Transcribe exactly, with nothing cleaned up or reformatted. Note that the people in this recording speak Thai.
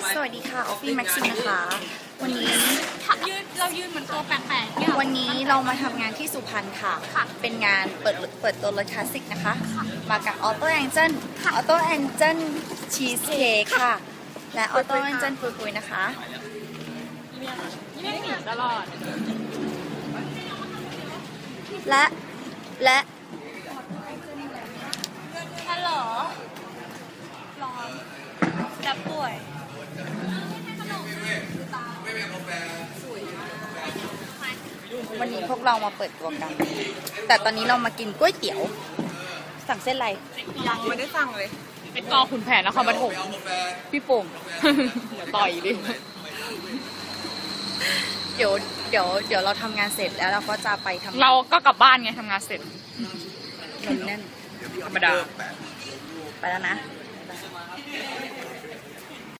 สวัสดีค่ะออฟฟี่แม็กซิมนะคะ วันนี้ยืนเรายืนเหมือนตัวแปลกๆเนี่ยวันนี้เรามาทำงานที่สุพรรณค่ะ เป็นงานเปิดเปิดตัวรถคลาสสิกนะคะ มากับออโต้แองเจิลออโต้แองเจิลชีสเค้กค่ะ และออโต้แองเจิลปุยปุยนะคะเรียกหนีตลอดและและฮัลโหลร้อนจะป่วยวันนี้พวกเรามาเปิดตัวกัน แต่ตอนนี้เรามากินก๋วยเตี๋ยวสั่งเส้นอะไรยังไม่ได้สั่งเลยเป็นกอขุนแผนนครปฐมพี่โป่งเดี๋ยวต่อยดิเดี๋ยวเดี๋ยวเดี๋ยวเราทำงานเสร็จแล้วเราก็จะไปทำเราก็กลับบ้านไงทำงานเสร็จมันแน่นธรรมดาไปแล้วนะ